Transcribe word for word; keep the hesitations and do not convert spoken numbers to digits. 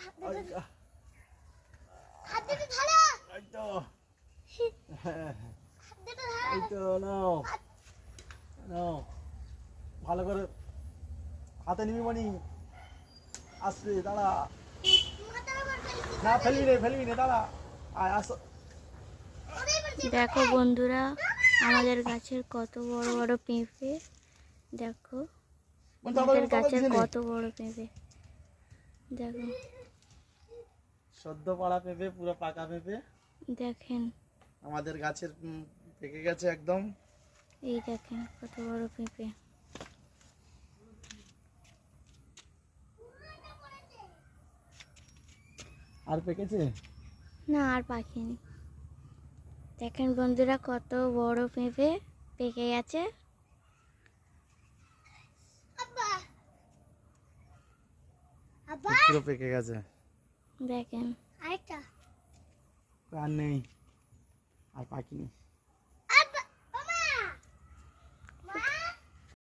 ভালো করে হাতে নিবি মানি আসবে দাঁড়া না ফেলবি রে ফেলবি রে দাঁড়া আয় আসো। দেখো বন্ধুরা আমাদের গাছের কত বড় বড় পেঁপে, দেখো আমাদের গাছের কত বড় পেঁপে, দেখো সদ্য পাড়া পেঁপে, পুরো পাকা পেঁপে দেখেন আমাদের গাছের পেকে গেছে একদম। এই দেখেন কত বড় পেঁপে। আর পেকেছে না আর পাকেনি। দেখেন বন্ধুরা কত বড় পেঁপে পেকে গেছে। পুরো পেকে গেছে দেখেন আর নেই আর পাকিনি।